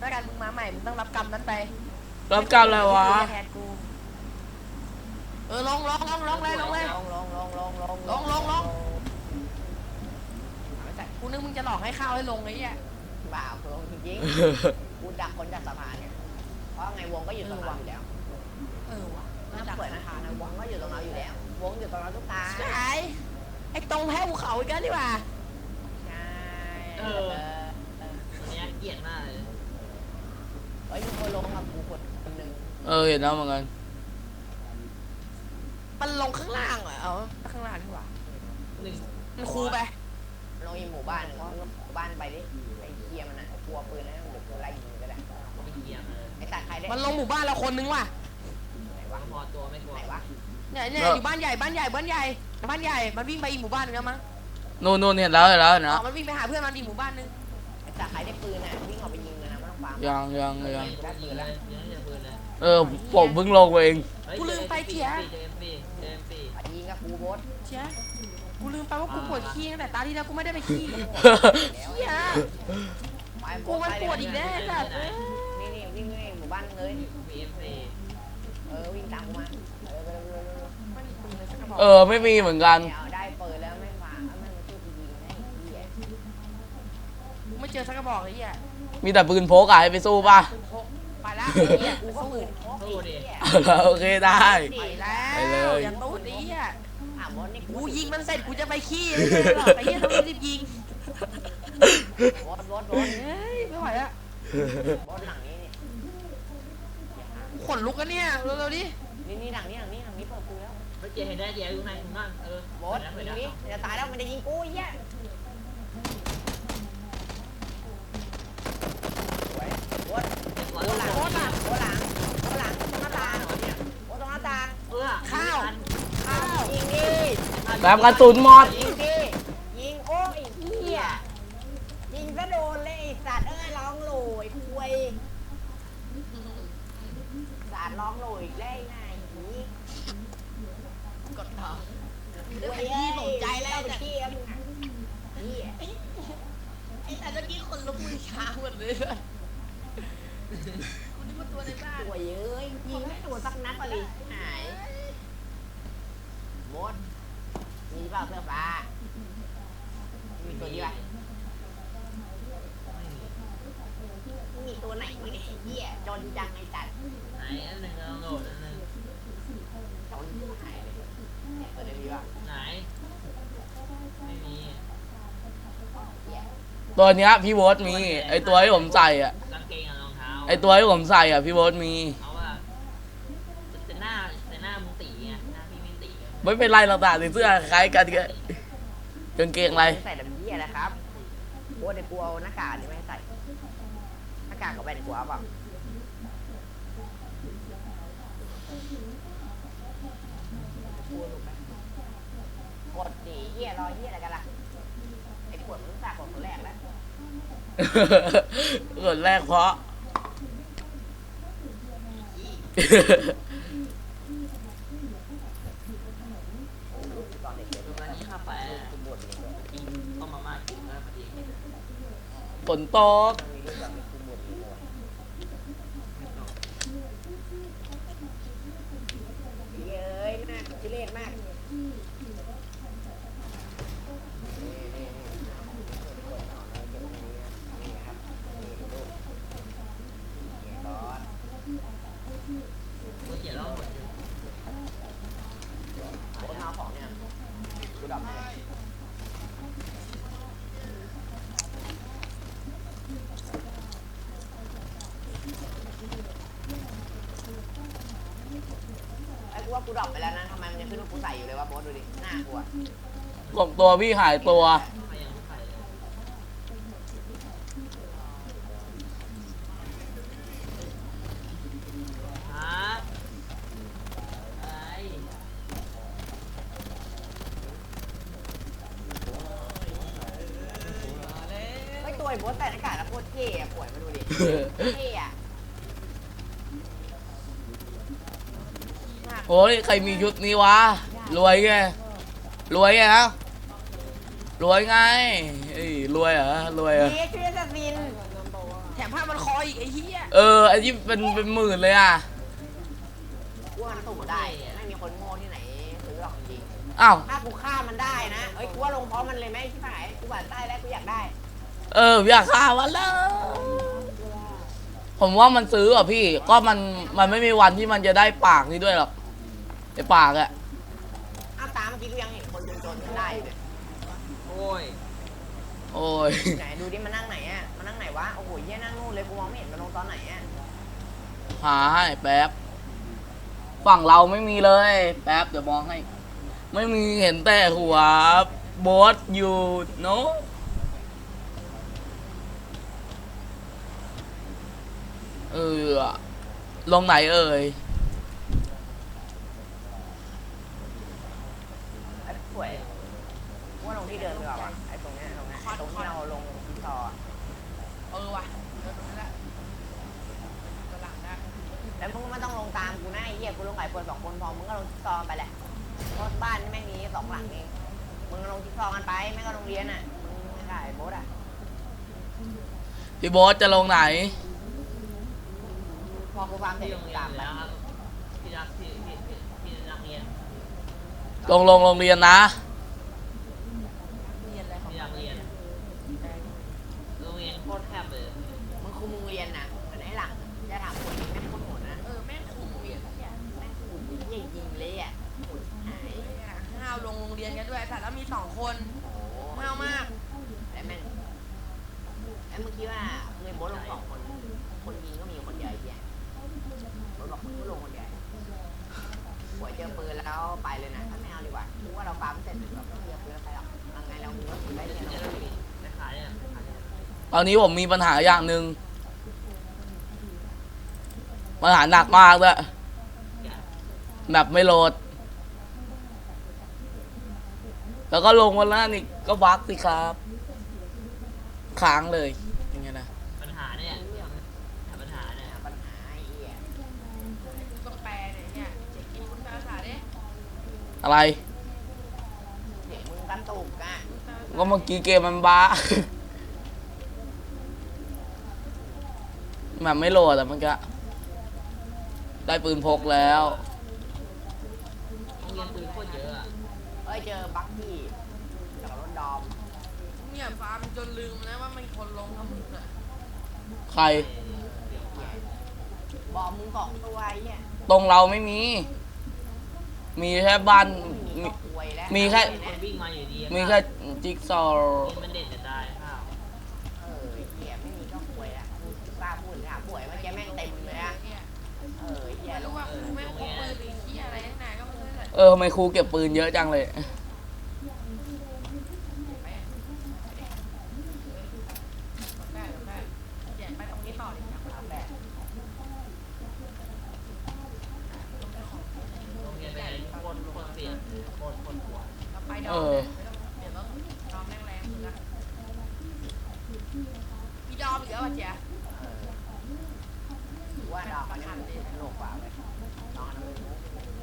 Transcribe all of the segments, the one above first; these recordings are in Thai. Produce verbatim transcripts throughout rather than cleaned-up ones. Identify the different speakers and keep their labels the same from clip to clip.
Speaker 1: แล้วกันมึงมาใหม่มึงต้องรับกรรมนั้นไป
Speaker 2: รับกรรมอะไรวะ
Speaker 1: แทนกูเออลงลงลงลงเลยลงเลย
Speaker 3: ลงลงลงลงลง
Speaker 1: ลงลงลง กูนึกมึงจะหลอกให้ข้าวให้ลงไอ้เนี่ย
Speaker 3: บ่าวลงจริงๆกูดักคนจากสะพานเนี่ยเพราะไงวงก็อยู่ตรงเราอยู่แล้ว
Speaker 1: เออว่ะ
Speaker 3: น่าเปิดนะคะนะวงก็อยู่ตรงเราอยู่แล้ววงอยู่ตรงเราทุกตา
Speaker 1: ใช่ไอ้ตรงแพ้ภูเขาอีกแล้วดีกว่า
Speaker 3: ใช่
Speaker 4: เอออันนี้เกลียดมากเลย
Speaker 3: เฮ้ยมีคนลงกับกูคนหนึ่ง
Speaker 2: เออเห็นแล้วเหมือนกัน
Speaker 1: มันลงข้างล่างเหรอเอาข้างล่างดีกว่า
Speaker 4: หนึ่ง
Speaker 1: มันคูไป
Speaker 3: ลงอีหมู่บ้านหมู่บ้านไปดิไอ้เคียมันนะกลัวปืนนะหรือไล่ยิงก็ได้
Speaker 4: ไม่เกียร์เลย
Speaker 3: ไอ้ตัดใครได้
Speaker 1: มันลงหมู่บ้านเราคนนึงว่ะ
Speaker 3: ไหนวะ
Speaker 4: พอตัวไม่กลัว
Speaker 3: ไหนวะ
Speaker 1: เนี่ยเนี่ยอยู่บ้านใหญ่บ้านใหญ่บ้านใหญ่บ้านใหญ่มันวิ่งไปอีกหมู่บ้านนึงแล้วมั้ง
Speaker 2: นู่นนู่นเห็นแล้วเห็นแล้วเนาะ
Speaker 1: มันวิ่งไปหาเพื่อนมันอีกหมู่บ้านนึง
Speaker 3: ไอ้ตัดใครได้ปืนน่ะวิ่งออกไปยิงเลยนะไม่ต้องฟัง
Speaker 2: ยังยังยัง
Speaker 3: ได้ปืนแล้ว
Speaker 4: ยังไม่ได้ปืนเลย
Speaker 2: เออผมเพิ่งลงเอง
Speaker 1: กูลืมไปเถีย
Speaker 3: ยิงกับกูบด
Speaker 1: เถียกูลืมไปว่ากูปวดขี้ตั้งแต่ตาที่แล้วกูไม่ได้ไปขี้เฮียกูมันปวดอีกแล้วแบบ
Speaker 3: นี่นี่วิ่งเลยหมู่บ้านเลยเออวิ่งตามกูมา
Speaker 2: เออไม่มีเหมือนกัน
Speaker 3: ได้เปิดแล้วไม่ฟังไม่มาช่วยกูยิงนะเฮีย
Speaker 1: กูไม่เจอสักกระบอกเลยเฮีย
Speaker 2: มีแต่ปืนพกอะให้ไปสู้ป่ะ
Speaker 1: ไปแล้วเฮียกูก็ปืนพกดิ
Speaker 2: โอเคได้
Speaker 1: ไปแล้วอย่าตู้ดิเฮียกูยิงมันเสร็จกูจะไปขี้เลยหรอไปเฮียต้องรีบยิง
Speaker 3: บดบดบด
Speaker 1: เฮ้ยไม่ไหวอะ
Speaker 3: บดหลังนี้นี่
Speaker 1: ขนลุกกันเนี่ยเร็วๆดิ
Speaker 3: นี่นี่หลังนี้หลังนี้หลังนี้เปิดปืนแล้ว
Speaker 4: ไม่เจเห็นได้เจอยู่ไหนคุณนั่นเออบ
Speaker 3: ดตรงนี้จะตายแล้วมันจะยิงกูเฮียบดบดหลังบดหลังบดหลังบดหลังตรงหน้าต่างบดตรงหน้าต่าง
Speaker 4: เออ
Speaker 1: ข้าว
Speaker 3: ข้าวยิงดิ
Speaker 2: แบบกระสุนหมด
Speaker 3: ยิงดิยิงโอ้ยเฮียยิงซะโดนเลยไอ้สัตว์เอ้ยร้องโหยคุยสัตว์ร้องโหยได้ไงนี่
Speaker 1: กดต่อ
Speaker 3: เดี๋ยวพี่สนใจแล้วเที่ยมนี่
Speaker 1: ไอ้แต่เมื่อกี้คนลุกมือช้าหมดเลยคุณนี่มันตัวในบ้าน
Speaker 3: ตัวเยอะยิงไม่ตัวสักนัดเลยหายหมดมีเปล่าเสื้อฟ้ามีตัวนี้ป่ะมีตัวไหนไม่ได้เหี้ยจนจังไอ้จัด
Speaker 4: ไหนอันหนึ่งเราโหลดอันหนึ่ง
Speaker 3: จนหายเลยเนี่ยตัวนี้ป่ะ
Speaker 4: ไหนไม่มี
Speaker 2: ตัวเนี้ยพี่โบ๊ทมีไอตัวที่ผมใส่อ่ะ
Speaker 4: กางเกงกับรองเท้า
Speaker 2: ไอตัวที่ผมใส่อ่ะพี่โบ๊ทมี
Speaker 4: เอาว่าแต่หน้าแต่หน้ามึงตีไงหน้าพี่ไม่ตี
Speaker 2: ไม่เป็นไรหรอกแต่เสื้อคล้ายกันกันกางเกงอะไร
Speaker 3: ใส่ดำเยี่ยนะครับโบ๊ทในกูเอาหน้ากากนี่ไม่ใส่หน้ากากกับแว่นกูเอาเปล่ากดดีเยี่ยรอเยี่ยอะไรกันล่ะไอ้ขวดมึงสากกดคนแรกแล้ว
Speaker 2: คนแรกเพราะ
Speaker 4: ตอนนี้ข้าไปกินต้มมาม่ากินแล้วพอดี
Speaker 2: ฝนตก
Speaker 3: เย้ยน่าชิเล่มาก
Speaker 4: กูเกลียดแล้วหมดอยู่
Speaker 3: โบ๊ทเอาของเนี่ยกูดับไอ้กูว่ากูดรอปไปแล้วนะทำไมมันยังขึ้นว่ากูใส่อยู่เลยวะโบ๊ทดูดิหน้ากูอะ
Speaker 2: ของตัวพี่หายตัว
Speaker 3: ตัวไอ้โบ๊ทใส่หน้ากากแล้วโคตรเท่อะป่วยมาดูดิเท่อะ
Speaker 2: โอ้ยใครมีชุดนี้วะรวยไงรวยไงนะรวยไงรวยเหรอรวยเหรอ
Speaker 3: เฮ้ยช่วยจะบิน
Speaker 1: แถมผ้ามันคออีกไอ้เหี้ย
Speaker 2: เออไอ้ที่เป็นเป็นหมื่นเลยอ่ะ
Speaker 3: กูว่ามันสู้ได้ไม่มีคนโง่ที่ไหนซื้อหรอกจริง
Speaker 2: อ้าว
Speaker 3: ถ้ากูฆ่ามันได้นะเอ้ยกูว่าลงพร้อมมันเลยไหมที่หายกูหวานใต้แล้วกูอยากได้
Speaker 2: เอออยากฆ่ามันเลยผมว่ามันซื้ออ่ะพี่ก็มันมันไม่มีวันที่มันจะได้ปากนี้ด้วยหรอกไอ้ปากอะ
Speaker 3: อ้าวตามเมื่อกี้กูยังเห็นคนจนๆได้เลย
Speaker 4: โอ้ย
Speaker 2: โอ้ย
Speaker 3: ไหนดูดิมันนั่งไหนอ่ะมันนั่งไหนวะโอ้โหเยี่ยนั่งนู่นเลยกูมองไม่เห็นมันลงตอนไหนอ่ะ
Speaker 2: หาให้แป๊บฝั่งเราไม่มีเลยแป๊บเดี๋ยวมองให้ ไม่มีเห็นแต่หัวโบสอยู่เนาะเออลงไหนเอ่ย
Speaker 3: ไอ้สวยกูว่าลงที่เดิมดีกว่าวะไอ้ตรงเนี้ยตรงเนี้ยตรงที่เราลงที่ซออะ
Speaker 1: เออว่ะเดินตรงนั้นแหละกำลังได้
Speaker 3: แล้วมึงก็ไม่ต้องลงตามกูนะไอ้เหี้ยกูลงไก่คนสองคนพอมึงก็ลงที่ซอไปแหละเพราะบ้านนี่แม่งมีสองหลังเองมึงก็ลงที่ซอกันไปไม่ก็โรงเรียนอ่ะมึงไม่ได้โบ๊ทอ่ะ
Speaker 2: พี่โบสจะลงไหน
Speaker 3: พอกูฟาร์มเสร็
Speaker 4: ที่
Speaker 3: จ
Speaker 4: โรง
Speaker 3: กู
Speaker 4: เรียน
Speaker 3: ตาม
Speaker 4: อยู่
Speaker 3: ไป
Speaker 4: แล้วครับที่รักที่ที่ที่ที่นักเรียน
Speaker 2: ลงลงโรงเรียนนะ
Speaker 1: เรียนอะไรของ
Speaker 4: ที่นักเรียนโรงเรียนโคตรแคบเลย
Speaker 3: มึงคุมโรงเรียนนะเหมือนไอ้หลังจะถามคนนี้แม่งโคตรโหดนะ
Speaker 1: เออแม่งขู่เรียนเนี่ย
Speaker 3: แม่งคุมเยี่ยยิงเลยอ่ะโหดหาย
Speaker 1: ห้าวลงโรงเรียนกันด้วยแต่แล้วมีสองคน
Speaker 3: โอ้โห
Speaker 1: ห้าวมาก
Speaker 3: แล้วแม่งแล้วมึงคิดว่าเงยโบ๊ทลงสองคนคนยิงก็มีคนเดียวไอ้เหี้ยโบ๊ทบอกมึงก็ลงคนเดียวหัวเจอปืนแล้วไปเลยนะถ้าไม่เอาดีกว่าคิดว่าเราฟาร์มเสร็จแบบไม่เจอปืนแล้วไปหรอกยังไงเราก็ได้เรียน
Speaker 4: จะ
Speaker 3: เรา
Speaker 4: ได้มีไม่ขายเนี่ยขายเนี่ย
Speaker 2: ตอนนี้ผมมีปัญหาอย่างหนึ่งปัญหาหนักมากด้วยแบบไม่โหลด แล้วก็ลงวันละนี่ก็บักสิครับค้างเลยยังไงนะ
Speaker 4: ปัญหาเนี่ยหาปัญหาเนี่ย
Speaker 3: ปัญหาไอ้เหี้ย
Speaker 1: ต้องแปลเนี่ยเนี่ยเจ๊กินคุณแปลภาษาดิ
Speaker 2: อะไร
Speaker 3: เด็กมึงกระตุกอ่ะ
Speaker 2: ก็เมื่อกี้เกมมันบ้า แบบไม่โหลดอะมันก็ได้ปืนพกแล้ว
Speaker 4: โรงเรียนปืนโคตรเยอะอะ
Speaker 3: เอ้ยเจอบักกี้กับรถดอม
Speaker 1: เนี่ยฟาร์มจนลืมนะว่ามันคนลงทั้งหมดอ่ะ
Speaker 2: ใคร
Speaker 3: บอกมึงสองตัวไอ้เหี้ย
Speaker 2: ตรงเราไม่มี มีแค่บ้าน
Speaker 3: มี
Speaker 2: มี
Speaker 3: ก็ควยแล้ว
Speaker 2: มีแค่
Speaker 4: คนวิ่งมาอยู่ดี
Speaker 2: มีแค่จิ๊กซอว์
Speaker 4: มันเด่นจะได้ข้าว
Speaker 3: เออไอ้เหี้ยไม่มีก็ควยละมึงกล้าพูดถามป่วยเมื่อกี้แม่งเต็มเลยอะ
Speaker 1: เนี่ย
Speaker 3: เออไอ้เหี้ย
Speaker 1: ไม่รู้ว่ากูแม่งพกปืนหรือขี้ยอะไรทั้งนั้นก็ไม่รู้แหละ
Speaker 2: เออทำไมครูเก็บปืนเยอะจังเลย
Speaker 1: ได้เดี๋ยวได้เดี๋ยวไปตรงนี้ต่อดิครับ
Speaker 3: เอาแบบ
Speaker 4: โรงเรียนเป็นไงโคตรโคตรเปลี่ยนโคตรโคตรหัว
Speaker 1: เราไปดอ
Speaker 2: เอ
Speaker 1: ม
Speaker 2: อ
Speaker 1: เดี๋ยวต้องดอมแรงแรงๆนะมีดอมอีกแล้วอ่ะเจ๊
Speaker 3: เออกูว่าดอกมันนี่มันสนุกกว่าเว้ยนอนมันรู้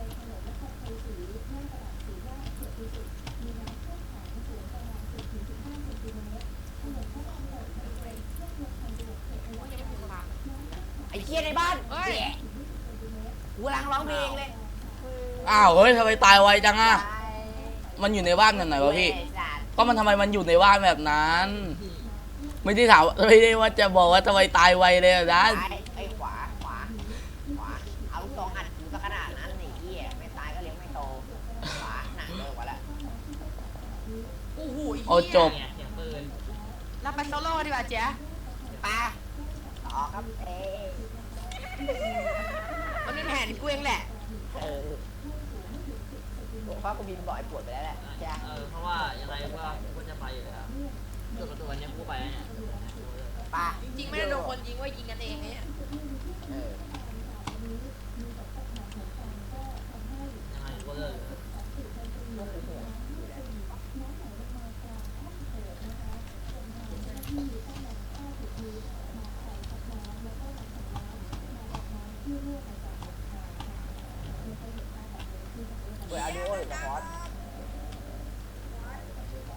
Speaker 3: ไอ้เหี้ยในบ้าน
Speaker 1: เฮ้ย
Speaker 3: แหละกูกำลังร้องเพลงเลย
Speaker 2: อ้าวเฮ้ยทำไมตายไวจังอะ
Speaker 3: ไป
Speaker 2: มันอยู่ในบ้านแบบไหนวะพี่
Speaker 3: เว้ยสัตว์
Speaker 2: ก็มันทำไมมันอยู่ในบ้านแบบนั้น ไม่ได้ถามไม่ได้ว่าจะบอกว่าทำไมตายไวเลยอะนะ
Speaker 3: ซ้ายไอ้ขวาขวาขวาเอาลูกซองอัดอยู่สักขนาดนั้นไอ้เหี้ยไม่ตายก็เลี้ยงไม่โตขวาหนักเลยกว่าละ
Speaker 1: โอ้โห
Speaker 2: โอ้จบ
Speaker 4: เนี่ยเสียงปืน
Speaker 1: เราไปโซโล่ดีกว่าเจ๊
Speaker 3: ปาต่อครับเอ
Speaker 1: มันเป็นแผนกูเองแหละ
Speaker 3: เออเพราะกูบินบ่อยปวดไปแล้วแหละจ้ะ
Speaker 4: เออเพราะว่ายังไงว่าก็จะไปอยู่แล้วจุดกับตัวเนี้ยกูไปเนี่ย
Speaker 3: ปา
Speaker 1: จริงๆไม่ได้โดนคนยิงว่ายิงกันเองเนี่ย
Speaker 3: เออ
Speaker 4: ยังไงก็เลิก
Speaker 3: พวกกูโหดอยู่แล้วเปิดเอาดูโอหรือจะพอด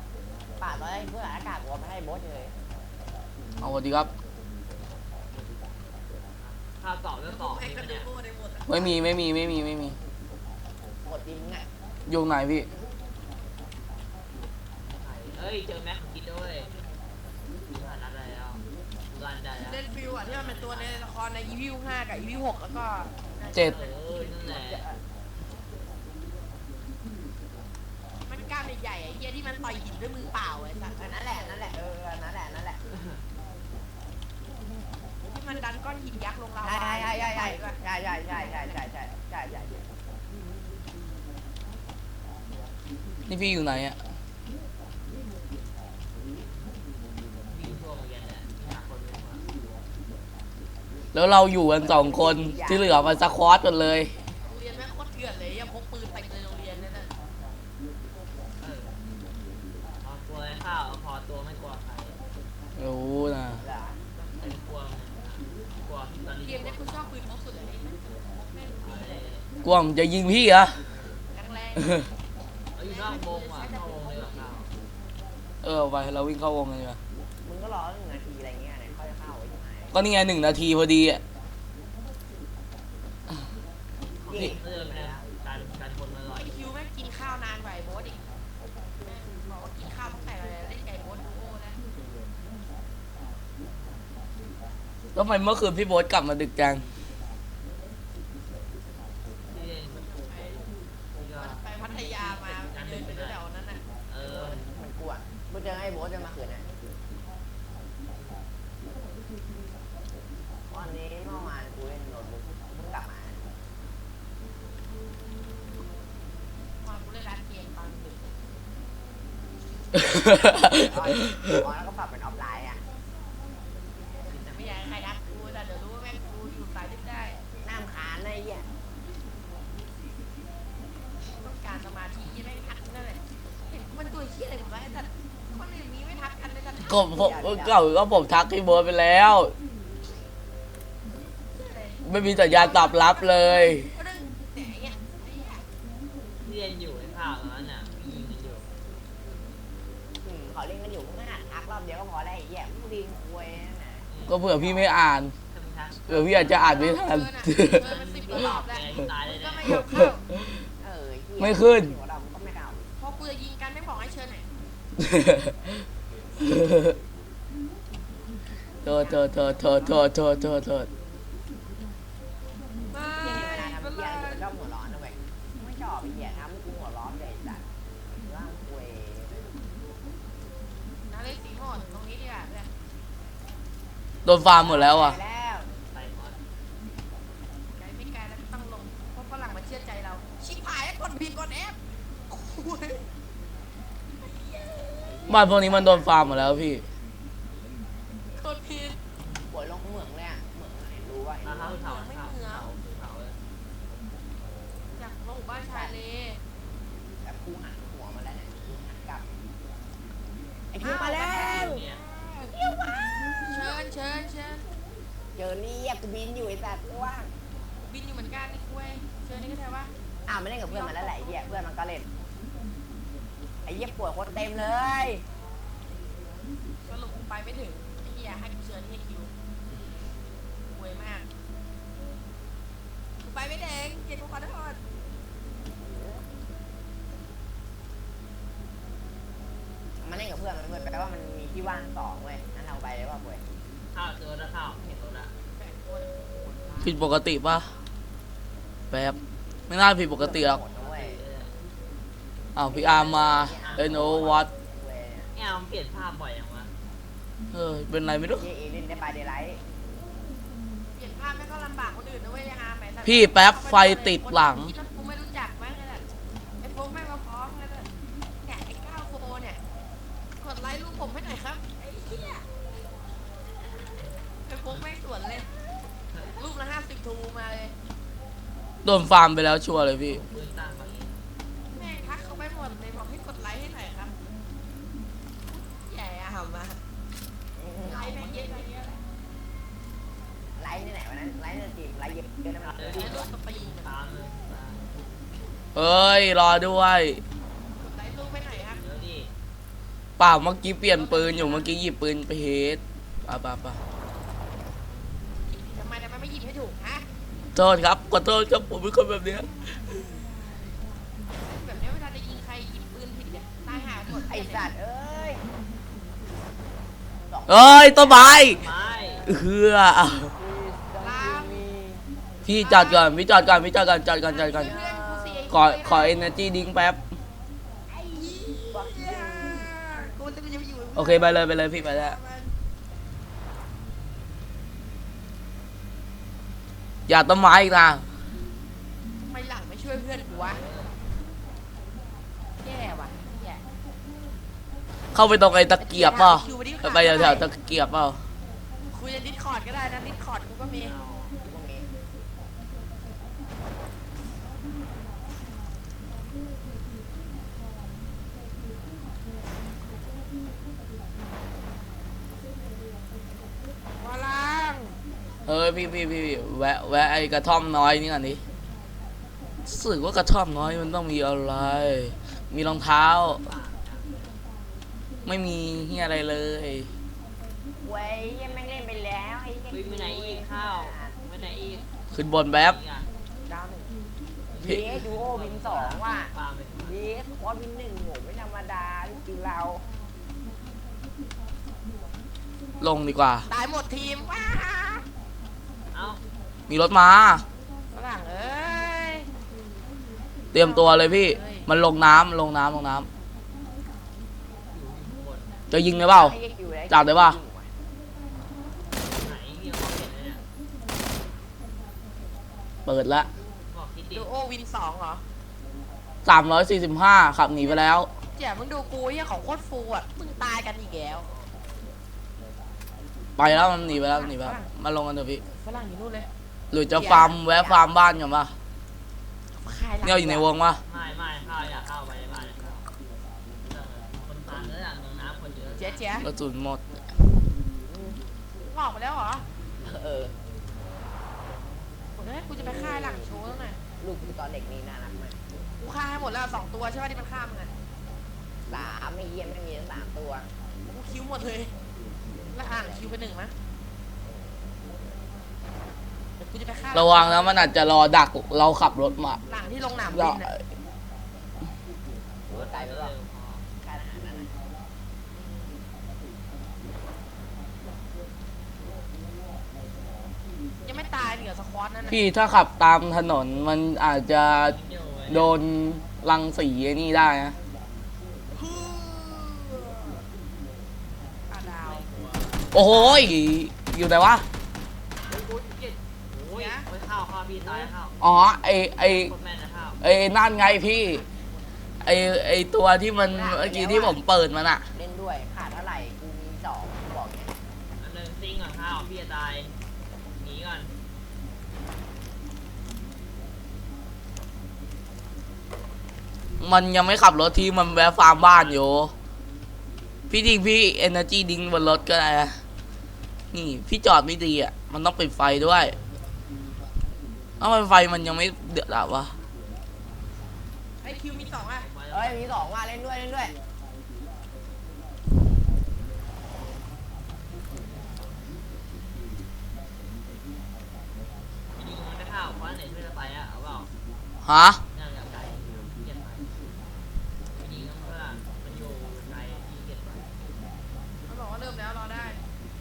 Speaker 3: ป่าตอนแรกเพื่อนอากาศกูเอามาให้โบ๊ทเลย
Speaker 2: เอาสวัสดีครับ
Speaker 4: ข้าวต่อเรื่องต่อนี่ปะเนี่ย
Speaker 2: ไม่มีไม่มีไม่มีไม่มี
Speaker 3: หมดจริงอ่ะ
Speaker 2: อยู่ไหนพี่
Speaker 4: เอ้ยเจอแม็กกินด้วยมีผ่านนัดอะไรแล้วรันได้แล้ว
Speaker 1: เล่นฟิวอ่ะที่มันเป็นตัวในละครในอีวิวห้ากับอีวิวหกแล้วก็
Speaker 2: เจ็ด
Speaker 4: เออนั่นแหละ
Speaker 1: มันกล้ามใหญ่ๆไอ้เหี้ยที่มันต่อยหินด้วยมือเปล่าไอ้สัส
Speaker 3: อันนั้นแหละนั่นแหละเออนั่นแหละนั่นแหละ
Speaker 1: ที่มันดันก้อนหินยักษ์ลงเรา
Speaker 3: ใช่ใช่ใช่ใช่ใช่ใช่ใช่ใช่ใช่ใช่ใช่ใช่
Speaker 2: นี่พี่อยู่ไหนอะ
Speaker 4: วิ่งทั่วโรงเรียนเนี่ยหาคนไม่มา
Speaker 2: แล้วเราอยู่กันสองคนที่เหลือมันสควอตกันเลย
Speaker 1: โรงเรียนแม่งโคตรเถื่อนเลยยังพกปืนเต็มเลยโรงเรียนเนี่ยนะ
Speaker 4: เออพอกลัวไอ้ข้าวพอตัวไม่กลัวใคร
Speaker 2: รู้นะ
Speaker 4: แต่กลัวมันกลัวตอนนี้
Speaker 1: เกมเนี้ยกูชอบปืนพกสุดเลยนี่แม่งแม่งดีเลย
Speaker 2: กลัวมันจะยิงพี่เหรอ
Speaker 1: แรง
Speaker 4: เอ้ยนอกวงว่ะนอกวงเลยว่ะข้าว
Speaker 2: เออไปเราวิ่งเข้าวงกันดีกว่า
Speaker 3: มึงก็รอหนึ่งนาทีอะไรเงี้ยไหนค่อยเข้าไว้ยังไง
Speaker 2: ก็นี่ไงหนึ่งนาทีพอดีอะ
Speaker 3: นี่
Speaker 4: เออเนี่ยการการคนอร่อย
Speaker 1: ๆคิวแม่งกินข้าวนานกว่าไอ้โบ๊ทอีกแม่งบอกว่ากินข้าวตั้งแต่เล่นไก่โบ๊ทดูโอ้แล้ว
Speaker 2: แล้วทำไมเมื่อคืนพี่โบ๊ทกลับมาดึกจัง
Speaker 4: ที่เล่นที่ก็
Speaker 1: ไปพัทยามาเดินไปแถวนั้นน่ะ
Speaker 4: เออ
Speaker 3: มันกลัวมึงเจอไอ้โบ๊ทจะมาขืนนะวันนี้เมื่อวานกูเล่นโน้ตบุ๊กเพิ่งกลับมา
Speaker 1: มากูเล่นร้านเกมตอนดึก
Speaker 3: อ๋อแล้วก็ปรับเป็นออฟไลน์อ่ะ
Speaker 1: แต่ไม่อยากให้ใครทักกูแต่เดี๋ยวรู้ว่าแม่งกูอยู่สายดึกได้
Speaker 3: น้ำขานอะไรเงี้ย
Speaker 1: ต้องการสมาธิยังไม่ทักนั่นแหละเห็นมันตัวเชี่ยอะไรผมว่าแต่คนอื่นมีไม่ทักกันเลยแต่
Speaker 2: ก็ผมก็ก็ผมทักพี่โบ๊ทไปแล้ว ไม่มีสัญญาณตอบรับเลย
Speaker 1: เรื่องแต่เนี่ยไอ้เหี้ย
Speaker 4: ที่เล่นอยู่ไอ้ข้าวตอนนั้นน่ะยิงกันอยู่
Speaker 3: อืมเขาเล่นกันอยู่มึงก็หัดทักรอบเดียวก็พอแล้วไอ้เหี้ยมึงดีมควยนั่นน่ะ
Speaker 2: ก็เผื่อพี่ไม่อ่าน
Speaker 4: ถ้ามึงทัก
Speaker 2: เผื่อพี่อาจจะอ่านไม่ทัน
Speaker 1: เออมันสิบกว่ารอบแล้วมึงก็ไม่ยอมเข้า
Speaker 3: เออเหี้ย
Speaker 2: ไม่ขึ้น
Speaker 3: หัวเรามึงก็ไม่เอา
Speaker 1: พอกูจะยิงกันไม่บอกให้เชิญหน่อย
Speaker 2: โทษโทษโทษโทษโทษโทษโทษโทษ
Speaker 1: ไม่
Speaker 3: เหี้ยเวลาทำ
Speaker 1: เป็นไร
Speaker 3: เหี้ยเดี๋ยวชอบหัวร้อนนะเว้ยไม่ชอบไอ้เหี้ยทำให้กูหัวร้อนเลยไอ้สัตว์ร่างควย
Speaker 1: นาเล่นสีหมดตรงนี้ดีกว่าเนี่ย
Speaker 2: โดนฟาร์มหมดแล้วอ่ะ
Speaker 3: ไปแล้ว
Speaker 4: ไปหมด
Speaker 1: ไกลไม่ไกลแล้วต้องลงเพราะฝรั่งมาเชื่อใจเรา ชิบหายแล้วกดผิดกดแอปโอ้ย
Speaker 2: บ้านพวกนี้มันโดนฟาร์มหมดแล้วพี่
Speaker 1: กดผิด
Speaker 3: ปวดลงเหมืองเลยอ่ะเหมืองไหนรู้ว่าไอ้
Speaker 4: มา
Speaker 3: นี่
Speaker 4: เข้าเผาเผาเผาเผาเลย
Speaker 1: อยากลงหมู่บ้านชายเล
Speaker 3: แบบกูหันหัวมาแล้วเนี่ยกูหันกลับไอ้คิวมาแล้ว
Speaker 4: เนี่ย
Speaker 1: เชิญเชิญเชิญ
Speaker 3: เจอเรียกกูบินอยู่ไอ้สัตว์กูว่าง
Speaker 1: บินอยู่เหมือนกันนี่คุยเชิญนี่ก็ได้ว่า
Speaker 3: อ้าวไม่เล่นกับเพื่อนมันแล้วแหละไอ้เหี้ยเพื่อนมันก็เล่นไอ้เหี้ยปวดคนเต็มเลย
Speaker 1: สรุปกูไปไม่ถึงไอ้เหี้ยให้กูเชิญที่คิวคุยมากกูไปไม่ถึงเกียรติกูขอโทษ
Speaker 3: มันเล่นกับเพื่อนมันเพื่อนแปลว่ามันมีที่ว่างสองเว้ยงั้นเราไปเลยว่าป่วย
Speaker 4: ข้าวเจอแล้วข้าวเห็นรถละ
Speaker 1: แบ่งคน
Speaker 2: ผิดปกติปะแป๊บไม่น่าผิดปกติหรอก
Speaker 3: หมดนะเว้ย
Speaker 4: เออ
Speaker 2: อ้าวพี่อาร์มมาเอ็นโอวัต
Speaker 3: เว้ย
Speaker 4: เนี่ยมันเปลี่ยนภาพบ่อยอย่างวะ
Speaker 2: เออเป็นไรไม่รู้
Speaker 3: เยเอเล่นได้บายเดย์ไลท์
Speaker 1: เปลี่ยนภาพไม่ก็ลำบากคนอื่นนะเว้ยยังอาไหม
Speaker 2: พี่แป๊บไฟติดหลัง
Speaker 1: คิดว่ากูไม่รู้จักมั้งไอ้แบบไอ้พวกแม่งมาฟ้องไอ้แบบเนี่ยไอ้ก้าวโฟเนี่ยกดไลค์รูปผมให้หน่อยครับไอ้เหี้ยไอ้พวกแม่งสวนเลยรูปละห้าสิบทูมาเลย
Speaker 2: โดนฟาร์มไปแล้วชัวร์เลยพี่
Speaker 4: ปืนตั้งมาเอง
Speaker 1: แม่งทักเขาไปหมดเลยบอกให้กดไลค์ให้หน่อยครับแย่อะหำมาไลค์แม่งเยอะเยอะเลย
Speaker 3: ไลท์ที่ไหนวะนั้นไลท์ในทีมไลท์เยอะเยอะนะมัน
Speaker 4: เออ
Speaker 1: ไอ้รูปสตรีม
Speaker 4: ตามเลยตาม
Speaker 2: เอ้ยรอด้วย
Speaker 1: กดไลค์รูปไปหน่อยครับ
Speaker 4: เดี๋ยวดิ
Speaker 2: เปล่าเมื่อกี้เปลี่ยนปืนอยู่เมื่อกี้หยิบปืนไปเฮดป่ะป่ะป่ะ
Speaker 1: ทำไมทำไมไม่หยิบให้ถูกฮะ
Speaker 2: โทษครับขอโทษครับผมเป็นคนแบบเนี้ย
Speaker 1: แบบเนี้ยเวลาจะยิงใครหยิบปืนผิดเนี่ยตายหาหมด
Speaker 3: ไอสัตว์เอ้ย
Speaker 2: เอ้ยต้นไม้
Speaker 4: ไม่
Speaker 2: เฮือ
Speaker 1: ลาม
Speaker 2: พี่จอดก่อนพี่จอดก่อนพี่จอดก่อนจอดก่อนจอดก่อน
Speaker 1: เพื่อนกูเสีย
Speaker 2: ขอขอ energy drink แป๊บ
Speaker 1: ไอ้เหี้ยกูจะไปอยู่
Speaker 2: โอเคไปเลยไปเลยพี่ไปแล้วอย่าต้นไม้อีกนะ
Speaker 1: ทำไมหลังไม่ช่วยเพื่อนกูวะแย่ว่ะแย่
Speaker 2: เข้าไปตรงไอ้ตะเกียบเปล่าไปแถวๆตะเกียบเปล่า
Speaker 1: คุยในดิสคอร์ดก็ได้นะดิสคอร์ดกูก็มี
Speaker 3: พวกนี้
Speaker 1: วาลัง
Speaker 2: เฮ้ยพี่พี่พี่แวะแวะไอ้กระท่อมน้อยนี่ก่อนดิรู้สึกว่ากระท่อมน้อยมันต้องมีอะไร มีรองเท้า ไม่มีเฮียอะไรเลย
Speaker 3: เว้ยยังไม่งเล่นไปแล้วไอ้เหี้ย
Speaker 4: วิ่งไปไหนอีกข้าวไปไหนอีก
Speaker 2: ขึ้นบนแป๊บ
Speaker 4: อีกอ่ะ
Speaker 3: ดาวหนึ่ง
Speaker 2: พี่
Speaker 3: เยสดูโอวินสองว่ะ
Speaker 4: ปาไป
Speaker 3: เยสคอร์สวินหนึ่งโหไม่ธรรมดาจริงๆเรา
Speaker 2: ลงดีกว่า
Speaker 1: ตายหมดทีมว้า
Speaker 4: เอ้า
Speaker 2: มีรถมา
Speaker 1: ฝรั่งเอ้ย
Speaker 2: เตรียมตัวเลยพี่ มันลงน้ำลงน้ำลงน้ำ
Speaker 4: อยู่บน
Speaker 2: จะยิงเลยเปล่า
Speaker 3: ไอ้เหี้ยคิวได้
Speaker 2: จับได้ปะ
Speaker 4: ไหนมีของเห็นเลยเนี่ย
Speaker 2: เปิดละ
Speaker 4: บอกคิดดิ
Speaker 1: ดูโอวินสองเหรอ
Speaker 2: สามร้อยสี่สิบห้าขับหนีไปแล้ว
Speaker 1: เจ๋มึงดูกูเหี้ยของโคตรฟูอ่ะมึงตายกันอีกแล้ว
Speaker 2: ไปแล้วมันหนีไปแล้วหนีไปแล้วมาลงกันเถอะพี่
Speaker 1: ฝรั่งอยู่นู่นเลย
Speaker 2: หรือจะฟาร์มแวะฟาร์มบ้านกันปะ
Speaker 1: ขายหลัง
Speaker 2: เนี่ยอยู่ในวงปะ
Speaker 4: ไม่ไม่ข้าวอยากเข้าไปในบ้านเลยครับคนตามแล้วอย่างเมืองน้ำคนเยอะ
Speaker 1: เจ๊เจ๊
Speaker 2: กระสุนหมด
Speaker 1: ออกไปแล้วเหรอ
Speaker 3: เออ
Speaker 1: โอ้ยกูจะไปฆ่าหลังโชว์แล้วไง
Speaker 3: ลูกกูตอนเด็กนี่น่ารักมาก
Speaker 1: กูฆ่าให้หมดแล้วสองตัวใช่ป่ะที่มันฆ่ามึงอ่ะ
Speaker 3: สามไม่เยี่ยมไม่มีทั้งสามตัว
Speaker 1: กูคิวหมดเลยแล้วอ่างคิวไปหนึ่งมั้ยเดี๋ยวกูจะไปฆ่า
Speaker 2: ระวังนะมันอาจจะรอดักเราขับรถมา
Speaker 1: หลังที่ลงหนาม
Speaker 2: ร
Speaker 1: บิ
Speaker 2: อน
Speaker 1: อ่ะ
Speaker 3: โอ้ตายไปแล้วการอาหารนั่นน่ะ
Speaker 1: ยังไม่ตายเหนือสควอตนั่นน่ะ
Speaker 2: พี่ถ้าขับตามถนนมันอาจจะ
Speaker 4: เดี๋ยวไว้
Speaker 2: โดนรังสีไอ้นี่ได้นะ
Speaker 1: อ่ะดาว
Speaker 2: โอ้โหยอยู่ไหนวะ
Speaker 4: โอ้ยโอ้ยเจ็ดโอ้ยโอ้ยข้าวข้าวพี่ตายข้าว
Speaker 2: อ๋อไอไอ
Speaker 4: โคตรแม่นนะข้าว
Speaker 2: ไอนั่นไงพี่ไอไอตัวที่มันเมื่อกี้ที่ผมเปิดมันอะ
Speaker 3: เล่นด้วยขาดเท่าไหร่กูมีสองกูบอกเนี่ย
Speaker 4: อันหนึ่งซิงก่อนข้าวพี่จะตายหนีก่อน
Speaker 2: มันยังไม่ขับรถที่มันแวะฟาร์มบ้านอยู่ พี่จริงพี่ energy ดิ้งบนรถก็ได้นะนี่พี่จอดไม่ดีอ่ะ มันต้องปิดไฟด้วยเอ้าทำไมไฟมันยังไม่เดือดอ่ะวะ
Speaker 1: ไอคิวมีสองอ่ะ
Speaker 3: เอ้ยมีสองว่าเล่นด้วยเล่นด้วย
Speaker 4: พี่ยิงมันไม่ข้าวเพราะไหนช่วยจะไปอ่ะเอาเปล่า
Speaker 2: ฮะ
Speaker 4: น่าจะไกลเกียดไปพี่ยิงต้องเพื่อมันอยู่ไกลพี่เกียดไป
Speaker 1: มันบอกว่าเริ่มแล้วรอได้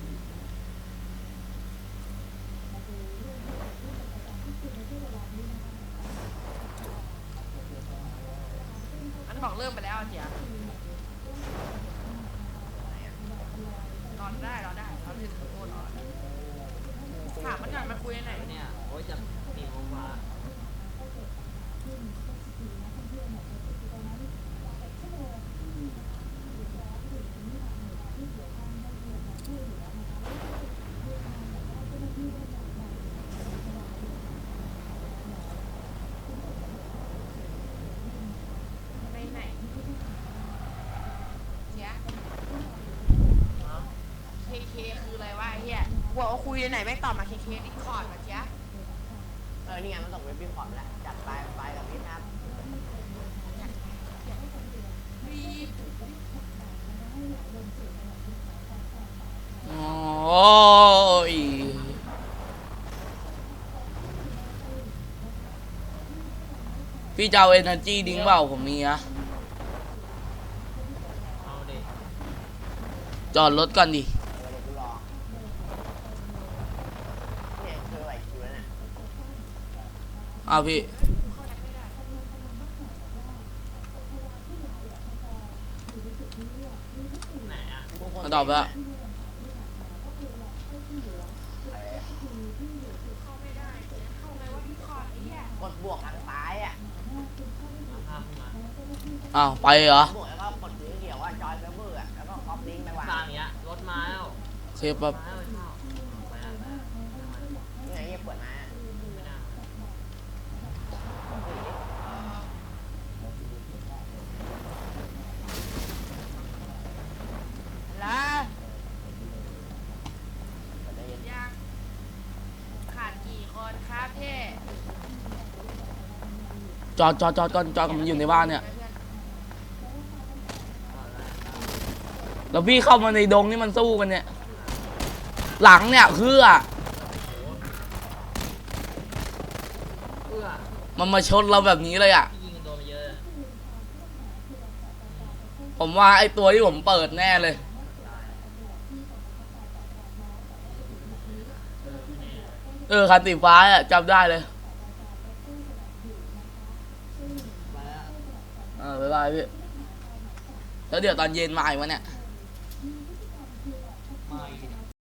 Speaker 1: มันบอกเริ่มไปแล้วอ่ะเจ๋รอได้รอได้รอถึงโอนรอถามมันหน่อยมันคุยไหน
Speaker 4: เนี่ยโอ้ยจะมีโมงกว่า
Speaker 1: ไปไหนเจ๊เคเคคืออะไรวะไอ้เหี้ยบอกว่าคุยไหนแม่งตอบมาเคเคดิคอร์ดมาเจ๊
Speaker 3: เออนี่ไงมันส่งเว็บบินพอร์ตแล้วจัดไปไปกับพี่ครับ
Speaker 1: รีบ
Speaker 2: โอ้ยพี่จะเอา energy ดิ้งเปล่าผมมีนะ
Speaker 4: เอาดิ
Speaker 2: จอดรถก่อนดิ
Speaker 3: เออเดี๋ยวกูรอเนี่ยคือไหวคิวแล้วเนี่ย
Speaker 2: อ้าวพี่
Speaker 1: เข้าแอปไม่ได้
Speaker 4: ไหนอ่ะ
Speaker 3: กูคน
Speaker 2: มาตอบไปแล้ว
Speaker 3: เออ
Speaker 1: เข้าไม่ได้เข้าไงว่าพี่คอร์ดไอ้เหี้ย
Speaker 3: กดบวกทางซ้ายอ่ะ
Speaker 4: มาภาพขึ้นมา
Speaker 2: อ้าวไปเหรอ
Speaker 3: บวกแล้วก็กดสีเขียวว่าจอยเซิร์ฟเวอร์อ่ะแล้วก็คอปลิงก์ไปวาง
Speaker 4: สร้างอย่างเงี้ยรถมาแล้ว
Speaker 2: โอเคปั๊บ
Speaker 4: มาแล้วเข้าไปแล้วไปแล้ว
Speaker 3: นี่ไงเหี้ยเปิดมา
Speaker 4: ไม่ได้
Speaker 3: แล้ว
Speaker 1: ยังขาดกี่คนครับพี่
Speaker 2: จอดจอดจอดก่อนจอดก่อนมันอยู่ในบ้านเนี่ย แล้วพี่เข้ามาในดงนี่มันสู้กันเนี่ย หลังเนี่ยเพื่อ
Speaker 4: เอื้อ
Speaker 2: มันมาชนเราแบบนี้เลยอ่ะ
Speaker 4: พี่ยิงกันโดนไปเยอะ
Speaker 2: ผมว่าไอตัวที่ผมเปิดแน่เลย เออคันสีฟ้าอ่ะจำได้เลย
Speaker 3: มาแล้ว
Speaker 2: เออบ๊ายบายพี่ แล้วเดี๋ยวตอนเย็นมาอีกวะเนี่ย